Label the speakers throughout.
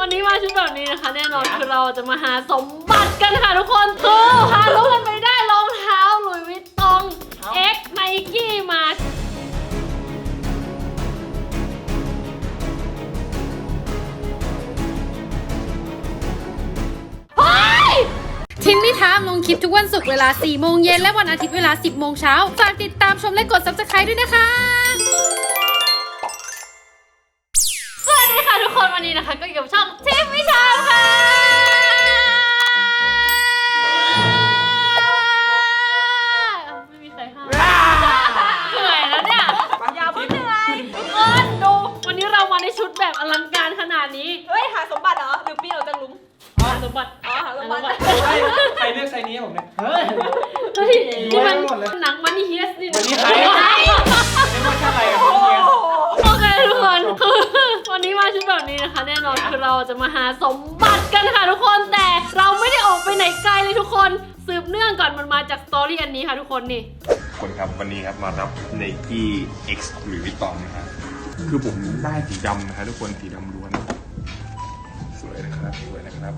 Speaker 1: วันนี้มาชุดแบบนี้นะคะแน่นอนคือเราจะมาหาสมบัติกันค่ะทุกคนคือหารู้กันไปได้รองเท้าหลุยส์วิตตอง X Nike มา
Speaker 2: ทิมมี่ทามลงคลิปทุกวันศุกร์เวลา 4 โมงเย็นและวันอาทิตย์เวลา 10 โมงเช้าฝากติดตามชมและกด Subscribe ด้วยนะคะ
Speaker 1: สวัสดีค่ะทุกคนวันนี้นะคะก็อยู่กับช่องทิมมี่ทามค่ะไม่มีใครห้ามเหนื่อยแล้วเนี่ยอย่าเพิ่งเหนื่อยทุกคนดูวันนี้เรามาในชุดแบบอลังการขนาดนี้
Speaker 3: เฮ้ยหาสมบัติเหรอหรือปีนออกจากหลุม
Speaker 1: หาสมบัติ
Speaker 3: อ๋อหาสมบัติ
Speaker 4: ใครเลือกไซส์นี้ให้ผมเนี่ย เฮ้ย
Speaker 1: เฮ้ยนี่มันหนังมันนี่เฮียสนี่
Speaker 4: วันนี้ใครไม่ว่าจะอะไรกับพี่เฮีย
Speaker 1: โอเคทุกคนคือวันนี้มาชุดแบบนี้นะคะแน่นอนคือเราจะมาหาสมบัติกันค่ะทุกคนแต่เราไม่ได้ออกไปไหนไกลเลยทุกคนสืบเนื่องก่อนมันมาจากสตอรี่อันนี้ค่ะทุกคนนี่
Speaker 5: คนครับวันนี้ครับมารับ Nike X หรือวิตตองนะฮะคือผมได้สีดำนะฮะทุกคนสีดำล้วนสวยนะครับสวยนะครับ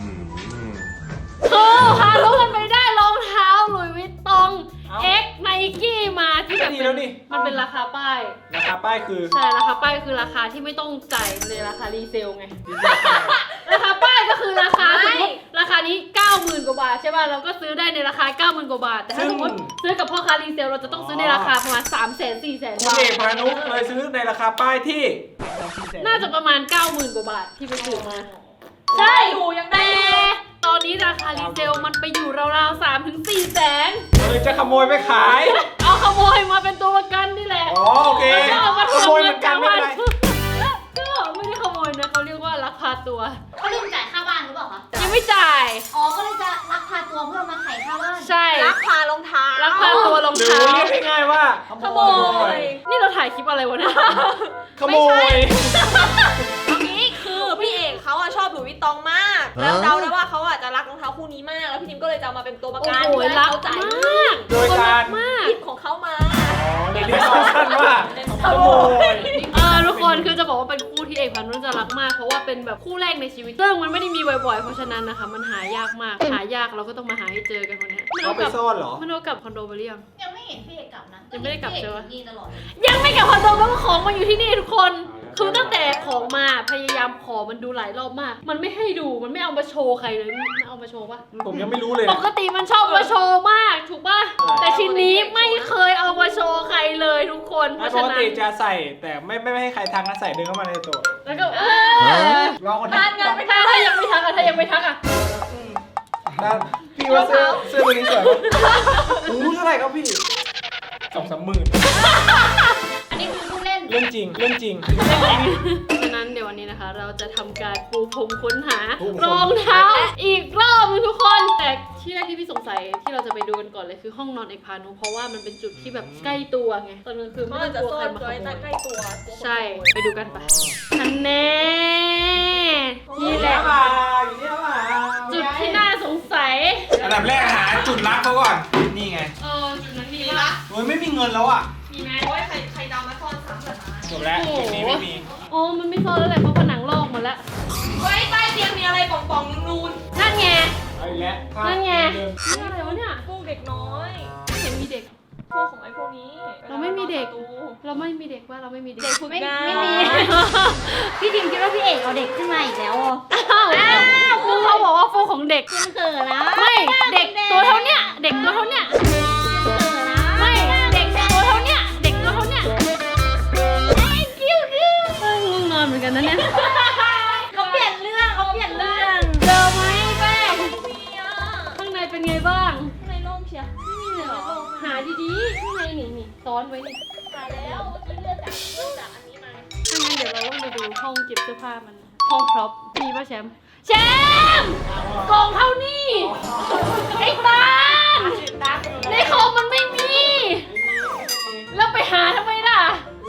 Speaker 1: คือหารู้กันไปได้รองเท้าหลุยส์วิตตอง X Nike มาที่แบบมันเป็นราคาป้าย
Speaker 4: ราคาป้ายคือ
Speaker 1: ใช่ราคาป้ายคือราคาที่ไม่ต้องจ่ายเลยราคารีเซลไง ราคาป้ายก็คือราคาสมมติราคานี้ 90,000 กว่าบาทใช่ป่ะเราก็ซื้อได้ในราคา 90,000 กว่าบาทแต่ถ้าสมมติซื้อกับพ่อค้ารีเซลเราจะต้องซื้อในราคาประมาณ 300,000 400,000
Speaker 4: คุณ
Speaker 1: บาท
Speaker 4: เอกพานุเลยซื้อในราคาป้ายที่
Speaker 1: น่าจะประมาณ 90,000 กว่าบาทที่ไปซื้อมา
Speaker 3: ใช่อยู่ยังได้
Speaker 1: แต่ตอนนี้ราคารีเซลมันไปอยู่ราวๆ 3-4 แสน
Speaker 4: หรือจะขโมยไปขาย
Speaker 1: เอาขโมยมาเป็นตัวประกันนี่แหละ
Speaker 4: อ๋อโอเค
Speaker 1: แล้วเอามา
Speaker 4: ข
Speaker 1: ทำ
Speaker 4: โมยเหมือนกันไม่เป็นไร
Speaker 1: ก็ไม่ได้ขโมยนะเขาเรียกว่าลักพาตัว
Speaker 6: เขาลืมจ่ายค่าบ้านหรือเปล่าคะ
Speaker 1: ยังไม่จ่าย
Speaker 6: อ๋อ ก็เลยจะลักพาตัวเพื่อมาไถ่ค่าบ้าน
Speaker 1: ใช่
Speaker 3: ลักพารองเท้า
Speaker 1: ลักพาตัวรอง
Speaker 4: หรือ
Speaker 1: เท้า
Speaker 4: เรียกง่ายๆว่า
Speaker 3: ขโมย
Speaker 1: นี่เราถ่ายคลิปอะไรวะเนี่ย
Speaker 4: ขโมย
Speaker 3: เอางี้คือพี่เอกเขาอะชอบหลุยส์วิตตองมาก แล้วเดาได้ว่าเขาอะจะรักรองเท้าคู่นี้มาก แล้วพี่นิมก็เลยจะเอามาเป็นตัวประ
Speaker 1: โอ้
Speaker 3: กัน
Speaker 1: โห
Speaker 3: เพื่อให้
Speaker 1: รัก
Speaker 3: เขาจ่าย
Speaker 1: ม
Speaker 3: เงิ
Speaker 1: าก
Speaker 3: น
Speaker 4: โดยการ
Speaker 1: มาก
Speaker 3: หยิบของเขามา
Speaker 4: ในเรียกสั้นๆว่าขโมย
Speaker 1: ทุกคนคือจะบอกว่าเป็นคู่ที่เอกพันธุ์จะรักมากเพราะว่าเป็นแบบคู่แรกในชีวิตซึ่งมันไม่ได้มีบ่อยๆเพราะฉะนั้นนะคะมันหายากมากหายากเราก็ต้องมาหาให้เจอกันวันนี้
Speaker 4: เขาไปซ่อนเหรอ
Speaker 1: มันเอากลับคอนโดไปหรือยัง
Speaker 6: ยังไม่เห็นพี่เอกกลับนะ
Speaker 1: ยังไม่ได้กลับใช่ปะ
Speaker 6: พี่เอกอยู่นี่ตลอดเลย
Speaker 1: ยังไม่กลับคอนโดเพราะว่าของมันอยู่ที่นี่ทุกคนคือตั้งแต่ของมาพยายามขอมันดูหลายรอบมาก มันไม่ให้ดูมันไม่เอามาโชว์ใครเลยไม่เอามาโชว์ปะ
Speaker 4: ผมยังไม่รู้เลย
Speaker 1: ปกติมันชอบมาโชว์มากถูกป่ะแต่ชิ้นนี้ไม่เคยเอามาโชว์ใครเลยทุกคนเพ
Speaker 4: ป
Speaker 1: ราะ
Speaker 4: ก
Speaker 1: ฉะนั้น
Speaker 4: ติจะใส่แต่ไม่ให้ใครทักนะใส่เดินเข้ามาในตัว
Speaker 1: แล้วก็
Speaker 4: ลองคน
Speaker 3: ทานงานไม่ได้
Speaker 1: ถ้ายังไม่ทักอะถ้ายังไม่ทักอะ
Speaker 4: พี่ว่าเสื้อตัวนี้สวยปะโอ้เท่าไหร่ครับพี่2-3 หมื่น
Speaker 6: อันนี้คือผู้เล่น
Speaker 4: เรื่องจริงเรื่องจริง
Speaker 1: ฉะนั้นเดี๋ยววันนี้นะคะ เราจะทำการปูพรมค้นหา
Speaker 4: ปูพรม
Speaker 1: รองเท้าอีกรอบนึงทุกคนแต่ที่แรกที่พี่สงสัยที่เราจะไปดูกันก่อนเลยคือห้องนอนเอกพานุเพราะว่ามันเป็นจุดที่แบบใกล้ตัวไงตอนกลางคืน
Speaker 3: เขา
Speaker 1: ไม่
Speaker 3: อาจ
Speaker 1: ต้
Speaker 3: จะ
Speaker 1: องกลัว
Speaker 3: ซ่อ
Speaker 1: ใคร
Speaker 3: น
Speaker 1: มาข
Speaker 3: ไว้
Speaker 1: โมย
Speaker 3: ใกล้ตัว
Speaker 1: ใช่ไปดูกันปะทันแน่นี่แหละ
Speaker 4: อยู่เนี่ยมา
Speaker 1: จุดที่น่าสงสัย
Speaker 4: อันดับแรกหาจุดรักเขาก่อน นี่ไง
Speaker 1: จุดนั้นมีปะ
Speaker 4: โอ้ยไม่มีเงินแล้วอ่ะ
Speaker 1: มีไหม
Speaker 3: โอ้ยใครเดามาซ่อนซ้ำแบบนั้น
Speaker 4: จบแล้วจุดนี้ไม่มี
Speaker 1: อ๋อมันไม่ซ่อนแล้วแหละเพราะผนังลอกหมดแล้ว
Speaker 3: เฮ้ยใต้เตียงมีอะไรป่องๆนูน
Speaker 1: นั่นไง
Speaker 4: เอาอีกแล้ว
Speaker 1: นั่นไง
Speaker 4: เดิม
Speaker 1: นี่อะไรวะเนี่ย
Speaker 3: ๆพวกเด็กน้อย
Speaker 1: ไม่เห็นมีเด็ก
Speaker 3: พวกของไอ้พวกนี้
Speaker 1: เราไม่มีเด็ก
Speaker 3: ประตู
Speaker 1: เราไม่มีเด็กว่าเราไม่มีเด็ก
Speaker 3: เด็กฝึกงาน
Speaker 6: ไม่มี พี่ทิมคิดว่าพี่เอกเอาเด็กขึ้นมาอีกแล้วอ่ะ
Speaker 1: อ้าวคือเขาบอกว่าฟูของเด็ก
Speaker 6: มันเขินนะ
Speaker 1: ไม่เด็กตัวเท่าเนี้ยเด็กตัวเท่าเนี้ย
Speaker 6: เขินนะ
Speaker 1: ไม่เด็กตัวเท่าเนี้ยเด็กตัวเท่าเนี้ยกิ้วง่วงนอนเหมือนกันนะเนี่ย
Speaker 6: เขาเปลี่ยนเรื่องเขาเปลี่ยนเรื่อง
Speaker 1: เจอไหมแป้ง
Speaker 3: มีอ่ะ
Speaker 1: ข้างในเป็นไงบ้าง
Speaker 3: ข้างในร่มเชียร์
Speaker 1: ไม่มีเลยเหรอหาดีๆข้างในนี่ซ้อนไว้นี่
Speaker 3: ตายแล้วเมื่อกี้เลือกจากอันนี้มา
Speaker 1: ถ้างั้นเดี๋ยวเราต้องไปดูห้องเก็บเสื้อผ้ามันห้องพร็อพมีป่ะแชมป์แชมป์กล่องเท่านี้ไอ้ตาลในคอมมันไม่มี แล้วไปหาทำไมล่ะ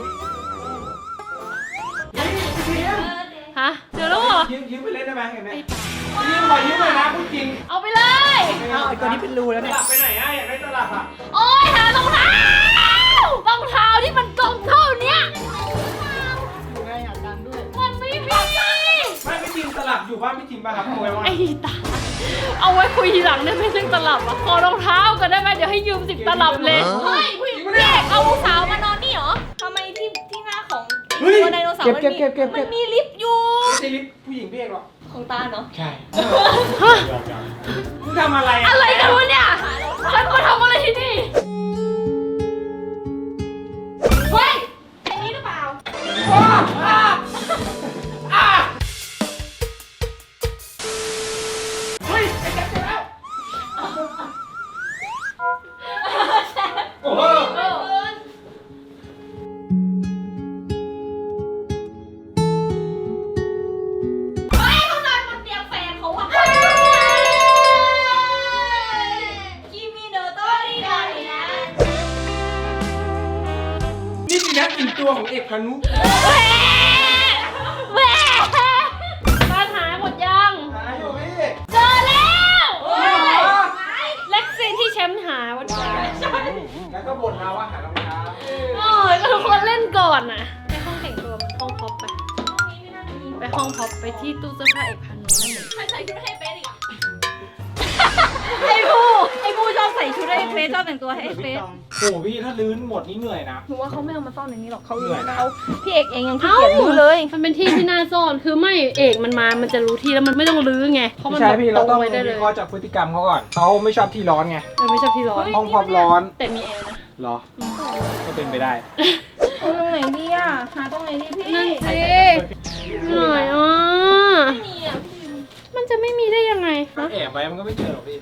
Speaker 1: ฮะเจอแล้วเหรอ
Speaker 4: ยืมไปเล่นได้ไหมเห็นไหมยืมขอยืมหน่อยนะพูดจริง
Speaker 1: เอาไปเลย
Speaker 4: ไอ้ตัวนี้เป็นรูแล้วเนี่ยตลับไปไหนอ่ะอยากได้ตลับอ่ะ
Speaker 1: โอ้ยหารองเท้ารองเท้าที่มันกล่องเท่าเนี้ย
Speaker 4: อยู่ไงอยากดันด้วย
Speaker 1: มันไม่มี
Speaker 4: ไม่จริงตลับอยู่บ้านพี่ทิมป่ะครับโปเกมอน
Speaker 1: ไอ้ตาเอาไว้คุยทีหลังได้ไหมเรื่องตลับอะขอรองเท้ากันได้ไหมเดี๋ยวให้ยืม10 ตลับเลย
Speaker 3: เฮ้ยผู้หญิงพี่เอกเอาสาวมานอนนี่เหรอทำไมที่หน้าของตัวไดโนเสาร์มันมีลิฟต์อยู่
Speaker 4: ไม่ใช่ลิฟต์ผู้หญิงพี่เอกหรอก
Speaker 3: ของตาเนาะ
Speaker 4: ใช่มึงทำอะไร
Speaker 1: อะไรกันวะเนี่ยฉันมาทำอะไรที่นี่
Speaker 3: เฮ้ยอันนี้หรือเปล่า
Speaker 4: เฮ้ยไอ้แจ๊คเจอแล้วโอ้โห
Speaker 3: เฮ้ยเขานอนบนเตียงแฟนเขาอะคิมิโนโตริดารินะ
Speaker 4: นี่สินะกลิ่นตัวของเอกพานุ
Speaker 1: บ้านหายหมดยัง
Speaker 4: หาอยู่พี่
Speaker 1: เจอแล้ว
Speaker 3: เฮ้ย
Speaker 1: เล็กซีนที่แชมป์หาวันก่อน
Speaker 4: แล้วก็บ่นมาว่าหารองเท้า
Speaker 1: โอ้ยทุกคนเล่นก่อนนะไปห้องแต่งตัวมันห้องพ็อปไป ไปห้องพ็อปไปที่ตู้เสื้อผ้าเอกพันธ์นั่นเอง
Speaker 3: ใครใส่ชุดให้เป๊ะอีกอะ
Speaker 6: ไอ้บูชอบใส่ชุดให้เฟซชอบแต่งตัวให้เฟซ
Speaker 4: โอ้โหพี่ถ้าลื้นหมดนี่เหนื่อยนะ
Speaker 3: หนูว่าเขาไม่เอามาซ่อนในนี้หรอกเขา
Speaker 4: เหนื่อยนะ
Speaker 3: เขาพี่เอกเองยังขี้เกียจรู้เลย
Speaker 1: มันเป็นที่ที่น่าซ่อน คือไม่เอกมันมา มันจะรู้ที่แล้วมันไม่ต้องลื้อไง เพราะมัน
Speaker 4: ใช่พี่เราต้อง
Speaker 1: ไว้ได้เล
Speaker 4: วิ
Speaker 1: ย
Speaker 4: เคราะห์จากพฤติกรรมเขาก่อนเขาไม่ชอบที่ร้อนไง
Speaker 1: ไม่ชอบที่ร้อน
Speaker 4: ห้องความร้อน
Speaker 1: แต่มีแอร์นะ
Speaker 4: เหรอ ก็เป็นไปได้
Speaker 3: เอาตรงไหนดีอะหาตรงไหนดีพี่
Speaker 1: นั่นสิหน่อยอ่ะ
Speaker 3: ไม่มีอะพี่
Speaker 1: มันจะไม่มีได้ยังไง
Speaker 4: ก็
Speaker 1: ฮะ
Speaker 4: แอบไว้มันก็ไม่เจอหรอกพี่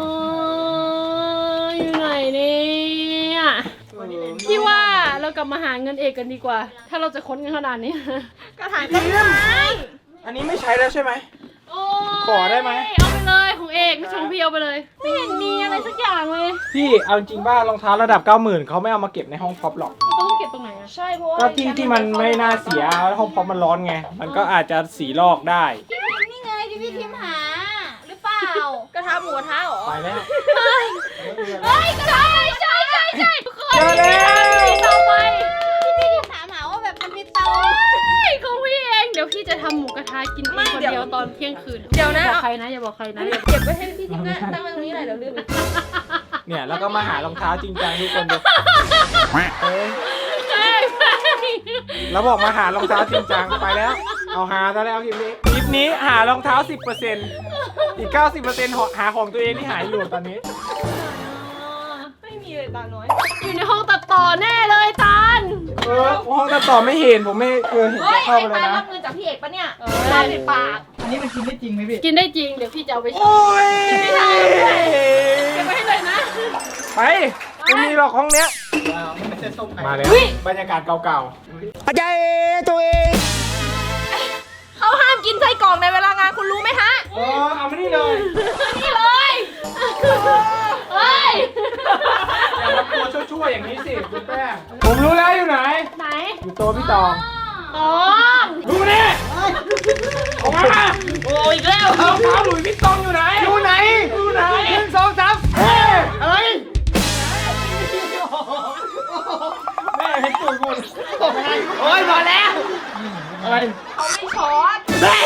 Speaker 1: อยู่ไหนเนี่ยพี่ว่าเรากลับมาหาเงินเอกกันดีกว่า ถ้าเราจะค้นกันขนาดนี้
Speaker 3: กระถางต้นไม้
Speaker 4: อันนี้ไม่ใช้แล้วใช่ไหม
Speaker 1: โอ้ย
Speaker 4: ขอได้ไหม
Speaker 1: เอาไปเลยของเอกไม่ใช่ของพี่เอาไปเลย ไม่เห็นมีอะไรสักอย่างเลย
Speaker 4: พี่เอาจริงว่ารองเท้าระดับ 90,000เขาไม่เอามาเก็บในห้องพ็อปหรอก
Speaker 1: เขาต้องเก็บตรงไหนอะ
Speaker 3: ใช่เพราะว่า
Speaker 4: ก็ที่มันไม่น่าเสียห้องพ็อปมันร้อนไง มันก็อาจจะสีลอกได้
Speaker 6: นี่ไงที่พี่ทิมหา หรือเปล่าก
Speaker 3: ระทะหมูกระทะเหรอ
Speaker 4: ไปแล้ว
Speaker 1: เฮ้ยใช่ทุกคน
Speaker 4: เจอแล้ว
Speaker 1: มีต่อไป
Speaker 6: ที่พี่ทิมถามหาว่าแบบมันมีเตา
Speaker 1: ของพี่เอง เดี๋ยวพี่จะทำหมูกระทะกินเองคนเดียวตอนเที่ยงคืน
Speaker 3: เดี๋ยวนะ
Speaker 1: บอกใครนะอย่าบอกใครนะ
Speaker 3: เก็บไว้ให้พี่ทิมนะตั้งไว้ตรงนี้หน่อยเดี๋ยวลืม
Speaker 4: เนี่ยแล้วก็มาหารองเท้าจริงจังทุกคนดูเอ้ยแล้วบอกมาหารองเท้าจริงจังไปแล้ว เอาหาซะแล้วคลิปนี้คลิปนี้หารองเท้า 10%อีก 90%หาของตัวเองที่หายอยู่ตอนนี้
Speaker 3: ไม่มีเลยตาน้อย
Speaker 1: อยู่ในห้องตัดต่อแน่เลยตาล
Speaker 4: ห้องตัดต่อไม่เห็นผมไม่เคยเห็น
Speaker 3: เฮ้ย
Speaker 4: จะเข้า
Speaker 3: ไอ้
Speaker 4: ไปเลย
Speaker 3: ตา
Speaker 4: นะ
Speaker 3: รับเงินจากพี่เอกปะเนี่ย
Speaker 1: เออ
Speaker 3: ตาปิดปาก
Speaker 4: อันนี้มันกินได้จริงไหมพี่
Speaker 1: กินได้จริง เดี๋ยวพี่จะเอาไปใช้
Speaker 4: โอ้ย
Speaker 1: เก็บไว้ให้เลยนะ
Speaker 4: ไปไม่มีหรอกห้องเนี้ยมาแล้วบรรยากาศเก่าๆอาจารย์ตัวเอง
Speaker 3: เขาห้ามกินไส้กรอกในเวลางานคุณรู้ไหมฮะ
Speaker 4: เอามานี่เลย
Speaker 1: นี่เลยเฮ้ย
Speaker 4: อย่ามาตัวชั่วๆอย่างนี้สิคุณแป้งผมรู้แล้วอยู่ไหน
Speaker 1: ไหน
Speaker 4: อยู่โต๊ะพี่ตอง
Speaker 1: ตอง
Speaker 4: ดูมาเนี่ยออกมาโอ้อีกแล้วรองเท้าหลุยส์พี่ตองอยู่ไหนอยู่ไหนอยู่ไหน1 2 3เฮ้ยอะไรแม่เห็นตูดคนโอ้ยมาแล้วอะไร
Speaker 3: เขาไม่ช็อต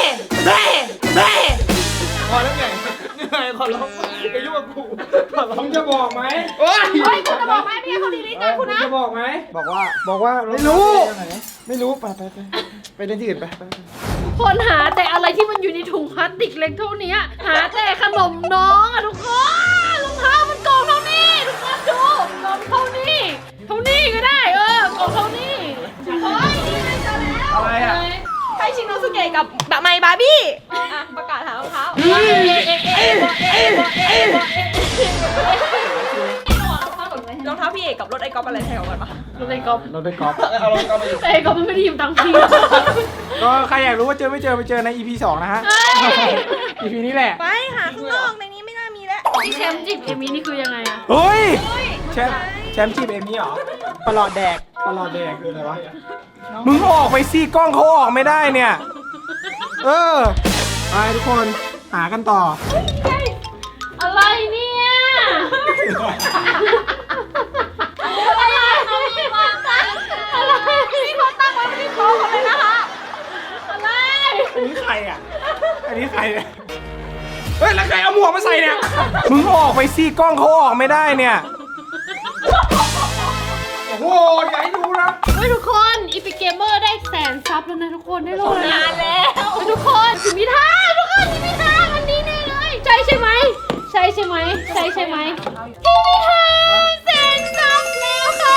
Speaker 4: พอแล้วไงเหนื่อยขอร้องไปยุ่งกับกูมึงจะบอกไหมโอ้ย
Speaker 3: เฮ้ยคุณจะบอกไหมพี่เขาดีลิทงานคุณนะ
Speaker 4: จะบอกไหมบอกว่าไม่รู้ไม่รู้ไปเล่นที่อื่นไป
Speaker 1: คนหาแต่อะไรที่มันอยู่ในถุงพลาสติกเล็กเท่านี้หาแต่ขนมน้องอะทุกคนรองเท้ามันกล่องเท่านี้ทุกคนดูกล่องเท่านี้ก็ได้กล่องเท่านี้
Speaker 3: เฮ้ยนี่เลยเจอแล้ว
Speaker 4: อะไรอ่ะ
Speaker 3: ให้ชินโนสุเกะกับแบบไมบาร์บี้อ่ะประกาศหารองเท้ารองเท้าพี่เอกกับรถไอ้ก๊อฟอะไรแถวกันปะ
Speaker 1: รถไอ้ก๊อฟ
Speaker 4: เราได้กอล์ฟเอาเรากอล์ฟไปอยู่
Speaker 1: แต่ไอ้ก๊อฟมันไม่ได้ยืมตังค์พี่
Speaker 4: ก็ใครอยากรู้ว่าเจอไม่เจอไปเจอใน EP 2 นะฮะ EP นี้แหละ
Speaker 3: ไปหาข้างนอกในนี้ไม่น่ามีแล้ว
Speaker 1: ที่แชมป์จิบเอมี่นี่คือยังไงอะ
Speaker 4: เฮ้ยแชมป์จีบเอมี่เหรอประหลอดแดกคืออะไรวะมึงออกไปสิกล้องเขาออกไม่ได้เนี่ยไปทุกคนหากันต่อ
Speaker 1: อะไรเนี่ยอะไรเขามีความตั้งอะไร
Speaker 3: นี่เขาตั้งไว้ที่โต๊ะหมดเลยนะคะ
Speaker 1: อะไร
Speaker 4: อันนี้ใครอ่ะอันนี้ใครเนี่ยเฮ้ยแล้วใครเอาหมวกมาใส่เนี่ยมึงออกไปสิกล้องเขาออกไม่ได้เนี่ยโอ้โหอย่าให้ดูนะ
Speaker 1: เฮ้ยทุกคนอีพิกเกมเมอร์ได้100,000 ซับแล้วนะทุกคนได้โลนานแล้วทุกคนถึงมีทางทุกคนถึงมีทางอันนี้แน่เลยใช่ใช่ไหมใช่ใช่ไหมใช่ใช่ไหมถึงมีทาง100,000 ซับแล้วค่ะ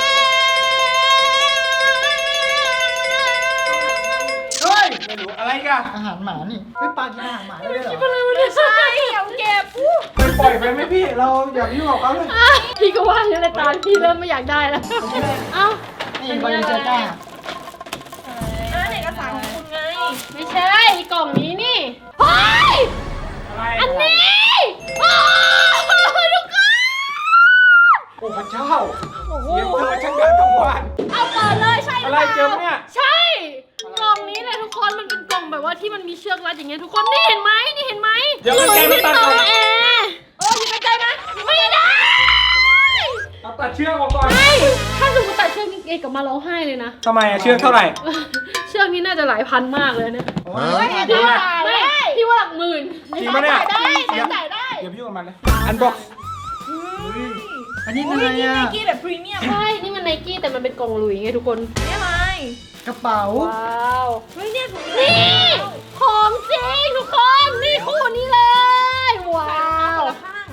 Speaker 4: เฮ้ยไม่รู้อะไรกัน
Speaker 7: อาหารหมานี่ไม่ปลากินอาหารหมาได้ด้วยเหรอ
Speaker 3: ไม่ใช่เอาเก็บ
Speaker 4: ไปปล่อยไปไหมพี่เราอย่าไปยุ่งกับเขาเลย
Speaker 1: พี่ก็ว่าอย่างไรตามพี่เริ่มไม่อยากได้แล้วเอ้า
Speaker 7: นี่บริเซต้า
Speaker 3: เอกสารของคุณไง
Speaker 1: ไม่ใช่กล่องนี้นี่เฮ้ย
Speaker 4: อะไร
Speaker 1: อันนี้โอ้ทุกคน
Speaker 4: โอ้พระเจ้าเสียงเธอช่างดังทั้งวัน
Speaker 1: เอาเปิดเลยใช่ห
Speaker 4: อะ
Speaker 1: รือ
Speaker 4: ไร
Speaker 1: เปล่า
Speaker 4: เจอเนี่ย
Speaker 1: ใช่กล่องนี้เลยทุกคนมันเป็นกล่องแบบว่าที่มันมีเชือกรัดอย่างเงี้ยทุกคนนี่เห็นไหมนี่เห็นไหม
Speaker 4: เดี๋ยวมันแกมันตัด
Speaker 1: ต่
Speaker 4: ก่
Speaker 1: อ
Speaker 4: อน
Speaker 1: แอร์อยู่ใกล้ๆนะไม่ได้
Speaker 4: เอาตัดเชือกออกก่อน
Speaker 1: ไม่ถ้าสมมติตัดเชือกนี่เอกกลับมาร้องไห้เลยนะ
Speaker 4: ทำไมอะเชือกเท่าไหร่
Speaker 1: เชือกนี้น่าจะหลายพันมากเลยเนี่ย
Speaker 7: โอ้ย
Speaker 1: พี่ว่าไม่พี่ว่าหลักหมื่น
Speaker 4: จริงปะเนี่ย
Speaker 3: จ่ายได้
Speaker 4: เดี๋ยวพี่ออกมาเลยอันบ็อกซ์
Speaker 7: อันนี้
Speaker 3: อุ้
Speaker 7: อะ
Speaker 3: ย
Speaker 7: ไร
Speaker 3: นี่
Speaker 7: อ่ะ
Speaker 3: ไนกี้แบบพรีเมียม
Speaker 1: ใช่นี่มันไนกี้แต่มันเป็นกล่องหลุยไงทุกคน
Speaker 3: นี่อะไร
Speaker 7: กระเป๋า
Speaker 1: ว้าว
Speaker 3: เฮ้ยเนี่ยถุง
Speaker 1: นี่ของจริงทุกคนนี่คู่นี้เลยว้าว
Speaker 3: ข้าง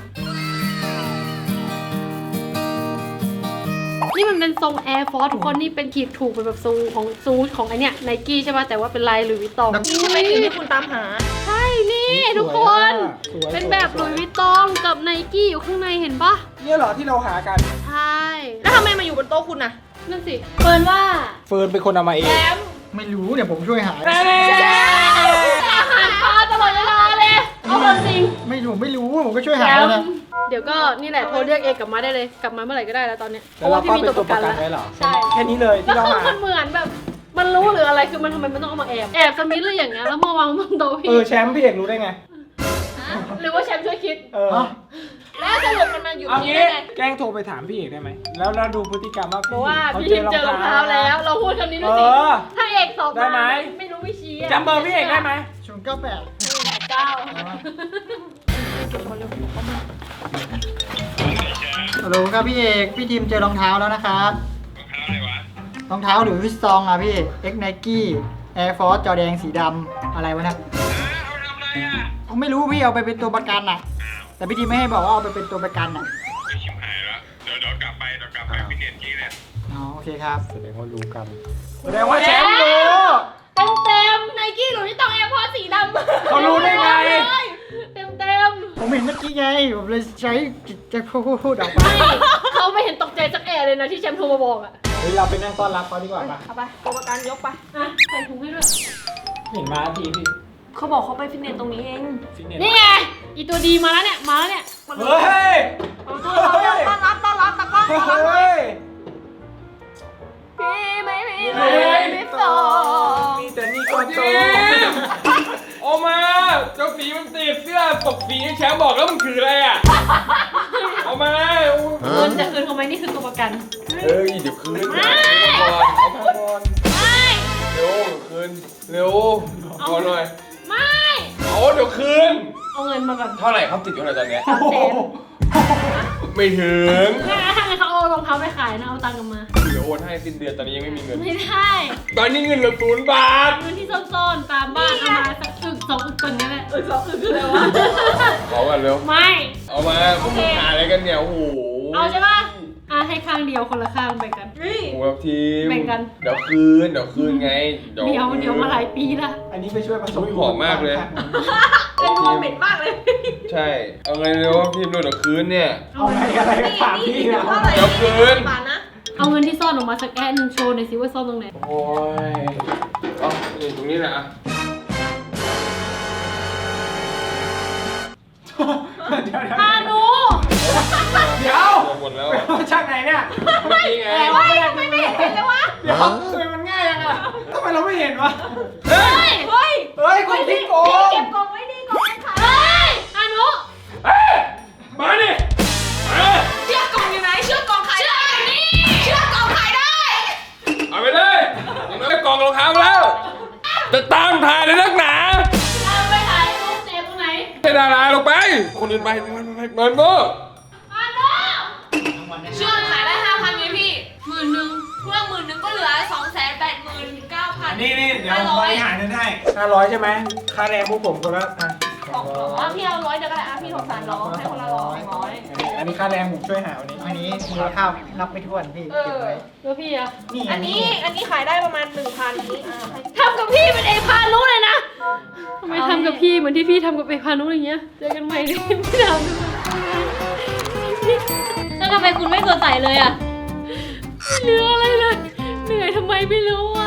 Speaker 1: นี่มันเป็นทรงแอร์ฟอร์ทุกคนนี่เป็นขีดถูกเป็นแบบทรงของซูทของไอเนี้ยไนกี้ใช่ป่ะแต่ว่าเป็นลายหลุยส์วิตตอง
Speaker 3: นี่ใช่ไหมสิ่งที่คุณตามหา
Speaker 1: ใช่นี่ทุกคน
Speaker 4: สวย
Speaker 1: เป็นแบบหลุยส์วิตตองกับไนกี้อยู่ข้างในเห็นปะ
Speaker 4: เนี่ยเหรอที่เราหากัน
Speaker 1: ใช่
Speaker 3: แล้วทำไมมาอยู่บนโต๊ะคุณน่ะ
Speaker 1: นั่นสิเฟิร์นว่า
Speaker 4: เฟิร์นเป็นคนเอามาเอง
Speaker 7: ไม่รู้เดี๋ยวผมช่วยหา
Speaker 1: อาหารปลาตลอดเวลาเลยเอาความจริง
Speaker 7: ไม่รู้ไม่รู้ผมก็ช่วย
Speaker 1: แช
Speaker 7: หาแล้ว
Speaker 1: ม
Speaker 7: นะ
Speaker 1: ป์เดี๋ยวก็นี่แหละโทรเรียกเอกกลับมาได้เลยกลับมาเมื่อไหร่ก็ได้แล้วตอนเนี้ยเพ
Speaker 4: แล้ว
Speaker 1: ราะ
Speaker 4: เรา
Speaker 1: ว่าพี่
Speaker 4: ก็
Speaker 1: มี
Speaker 4: เป็น
Speaker 1: ตัว
Speaker 4: ตัว
Speaker 1: ประ
Speaker 4: ป
Speaker 1: กั
Speaker 4: ระ
Speaker 1: น
Speaker 4: กัน
Speaker 1: แล้ว
Speaker 4: ไว้เหรอ
Speaker 1: ใช่
Speaker 4: แค่นี้เลย
Speaker 1: แล้
Speaker 4: ที่
Speaker 1: ว
Speaker 4: เรา
Speaker 1: คือ
Speaker 4: หา
Speaker 1: มันเหมือนแบบ มันรู้หรืออะไรคือมันทำไมมันต้องเอามาแอบแอบสมิธหรืออย่างเงี้ยแล้วมาวางบนโต๊ะพี่
Speaker 4: แชมป์พี่เอกรู้ได้ไง
Speaker 1: หรือว่าแชมป์ช่วยคิด
Speaker 3: แล้วสรุปมันมาอยู่
Speaker 4: เอา
Speaker 3: ที่
Speaker 4: งี้
Speaker 3: ได้ไง
Speaker 4: แกล้งโทรไปถามพี่เอกได้ไหมแล้วเราดูพฤติกรรมว่า
Speaker 1: บอกว่า
Speaker 4: เขา
Speaker 1: พี่ทิมเจอรองเท้าแล้ว เราพูดคำนี้ด้วยสิ ถ้าเอกสอบ
Speaker 4: ได้ไหม
Speaker 1: ไม่รู้ไม่ชี้
Speaker 4: จำเบอร์พี่เอกได้ไหม
Speaker 7: 098
Speaker 1: เก้า
Speaker 7: ฮัลโหลครับพี่เอกพี่ทีมเจอรองเท้าแล้วนะครับรองเท้าหรือวิสซองอ่ะพี่ X Nike Air Force จอแดงสีดำอะไรวะนะเอาไม่รู้พี่เอาไปเป็นตัวประกันอ่ะ แต่พี่ทีมไม่ให้บอกว่าเอาไปเป็นตัวประกันอ่ะ
Speaker 5: ไม่ชิมหายแล้วเดี๋ยวกลับไปฟิตเนสกี้เนี่ย
Speaker 7: อ๋อโอเคครับ
Speaker 4: แสดงว่ารู้กันแสดงว่าแชมป์รู้
Speaker 1: เต็มเต็มไนกี้หรือที่ต้องแอร์พอร์ตสีดำ
Speaker 4: เขารู้ได้ไง
Speaker 1: เต็มเต็ม
Speaker 7: ผมเห็นเมื่อกี้ไงผมเลยใช้จิตใจพูดออกไป
Speaker 1: ไม่เขาไม่เห็นตกใจสักแอะเลยนะที่แชมป์โทรมาบอกอ่ะ
Speaker 4: เฮ้ยเราไปนั่งต้อนรับเขาดีกว่าป่ะ
Speaker 3: เอาไปตัวประกันยกไป
Speaker 1: อ่ะใส่ถุงให้ด้วย
Speaker 4: เห็นมาทีพี่
Speaker 3: เขาบอกเขาไปฟิตเนสตรงนี้เอง
Speaker 4: ฟิตเนส
Speaker 1: นี่ไงอีตัวดีมาแล้วเนี่ยมาแล้วเนี่ย
Speaker 4: เฮ้ย
Speaker 3: ต้อนรับตะกล้องต้อนรับ
Speaker 4: เฮ้ย
Speaker 3: พี่ไม่มี
Speaker 4: เฮ้ย
Speaker 3: ไม่สอง
Speaker 4: มีแต่นี่ก็โต
Speaker 5: ออกมาเจ้าฝีมันติดเสื้อตกฝีแชมป์บอกแล้วมันคืออะไรอ่ะออกมา
Speaker 1: เงินจะคืนเขาไหมนี่คือตัวประกัน
Speaker 5: เฮ้ยเดี๋ยวคืนก่อนเอาพักก่อน
Speaker 1: ไม่
Speaker 5: เร็วคืนเร็วขอหน่อย
Speaker 1: ไม่
Speaker 5: เอาเดี๋ยวคืน
Speaker 1: เอาเงินมาก่อน
Speaker 5: เท่าไหร่ครับติดอยู่ไหนตอนเนี้ย
Speaker 1: 300,000
Speaker 5: ไม่ถึง
Speaker 1: ถ้างั้นเขาเอารองเท้าไปขายนะเอาตังค์กลับมา
Speaker 5: เดี๋ยวโอนให้สิ้นเดือนตอนนี้ยังไม่มีเงิน
Speaker 1: ไม่ได้
Speaker 5: ตอนนี้เงินเหลือ0 บาท
Speaker 1: เงินที่ซ่อนๆตามบ้านเอามาสักอึก2อึกก่อนก็ได้อึก2อึกคืออะไรวะ
Speaker 5: ขอกันเร็ว
Speaker 1: ไม่
Speaker 5: เอามาพวกมึงหาอะไรกันเนี่ยโอ้โห
Speaker 1: เอาใช่ปะอ่ะให้ข้างเดียวคนละข้างแบ่งกัน
Speaker 5: โอ้โหครับทีม
Speaker 1: แบ่งกัน
Speaker 5: เดี๋ยวคืนไง
Speaker 1: เดี๋ยวมาหลายปีละ
Speaker 4: อันนี้ไปช่วยผสม
Speaker 5: หอมมากเลย
Speaker 3: เป็นดูเหม็นมากเลย
Speaker 5: ใช่ เอาไงเร็วทีมเดี๋ยวคืนเนี่ย
Speaker 4: เอาไงอะไรก็ถามพี่นะ
Speaker 3: เท่าไหร่
Speaker 5: เดี๋ยวคืน
Speaker 3: บาทนะ
Speaker 1: เอาเงินที่ซ่อนออกมาสักแอนหนึ่งโชว์หน่อยสิว่าซ่อนตรงไหน
Speaker 5: โอ้ยเอานี่ตรงนี้แหละอะ
Speaker 1: อานุ
Speaker 4: เดี๋ยว
Speaker 5: หมดแล้ว
Speaker 4: ไปเอาจากไหนเนี่ย
Speaker 5: เมื่อกี้ไง
Speaker 3: ไม่เห็นเลยวะ
Speaker 4: เดี๋ยวทำไมมันง่ายยังอ่ะทำไมเราไม่เห็นวะ
Speaker 5: เฮ้ย
Speaker 3: เฮ้ย
Speaker 4: เฮ้ยคุณพี่โกง
Speaker 3: เก็บกล่องไว้ดีกล่องไว้ค่ะ
Speaker 1: เฮ้ยอานุ
Speaker 5: เฮ้ยมาดิมา
Speaker 3: เชือกกล่องอยู่ไหนเชือกกล่องขายได้เชือกกล่องขายได้
Speaker 5: เอาไปเลยยังไม่ได้กล่องรองเท้าแล้ว จะตามถ่ายเลยนักหนา
Speaker 1: เอาไปขาย
Speaker 5: ดาราลงไป คนอื่นไปมันโง่
Speaker 3: เชื่อขายได้ 5,000ไงพี่10,000เพื่อ10,000ก็เหลือ 289,900
Speaker 4: นี่เดี๋ยวผมบริหารเงินให้500ใช่ไหมค่าแรงพวกผมคนละ
Speaker 3: พี่เอา100เดี๋ยวก็ได้พี่สงสารน้องให้คนละ100
Speaker 4: อันนี้ค่าแรงผมช่วยหาวันนี้
Speaker 7: อันนี้มูลค่านับไม่ถ้วนพี่เก็บไว้
Speaker 1: แล้วพี่อะ
Speaker 7: นี่
Speaker 3: อันนี้ขายได้ประมาณ 1,000นี้
Speaker 1: ทำกับพี่เป็นเอพานุเลยนะทำไมทำกับพี่เหมือนที่พี่ทำกับเอพานุอย่างเงี้ยเจอกันใหม่ดิพี่ทำ
Speaker 6: แล้วทำไมคุณไม่สดใสเลยอ่ะ
Speaker 1: ไม่เหลืออะไรเลยเหนื่อยทำไมไม่รู้อ่ะ